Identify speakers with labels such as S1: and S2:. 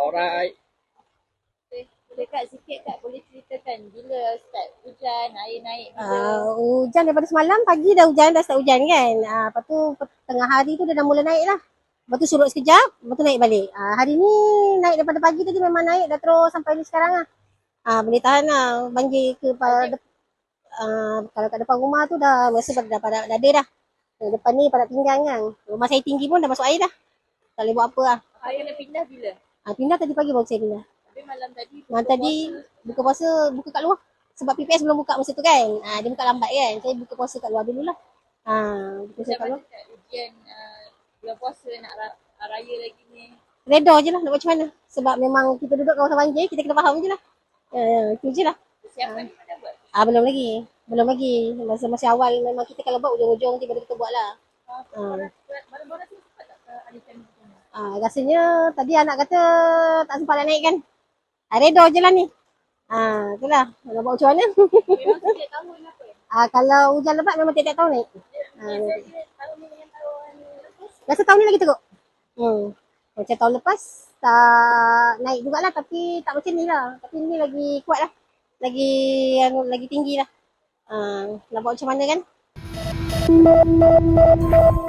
S1: Alright.
S2: Boleh Kak sikit Kak boleh ceritakan bila start hujan, air naik bila?
S3: Hujan daripada semalam, pagi dah hujan, dah start hujan kan. Lepas tu tengah hari tu dia dah mula naik lah. Lepas tu surut sekejap, lepas tu naik balik. Hari ni naik daripada pagi tadi memang naik dah terus sampai ni sekarang lah. Boleh tahan lah banjir ke kalau kat depan rumah tu dah rasa dah pada ada dah. Depan ni pada pinggang kan. Rumah saya tinggi pun dah masuk air dah. Tak boleh buat apa lah.
S2: Air kena pindah bila?
S3: Pindah tadi pagi baru saya pindah.
S2: Tapi malam tadi
S3: Buka puasa buka kat luar. Sebab PPS belum buka masa tu kan. Dia buka lambat kan. Saya buka puasa kat luar dululah. Buka puasa kat luar.
S2: Ujian bulan puasa nak raya lagi ni.
S3: Reda je lah nak buat macam mana. Sebab memang kita duduk kawasan banjir, kita kena faham je lah. Itu je lah.
S2: Persiapan ni mana buat?
S3: Belum lagi. Masa awal memang kita kalau buat ujung-ujung tiba-tiba kita buat lah.
S2: Barang-barang tu sempat tak alihkan macam mana?
S3: Rasanya tadi anak kata tak sempat nak naik kan. Reda je lah ni. Itulah. Nak buat macam mana.
S2: Memang setiap tahun apa?
S3: Kalau hujan lebat memang tiap-tiap tahun naik.
S2: Tahun ni dengan tahun lepas?
S3: Rasa tahun ni lagi teruk. Macam tahun lepas tak naik jugalah tapi tak macam ni lah. Tapi ni lagi kuat lah. Lagi tinggi lah. Nak buat macam mana kan?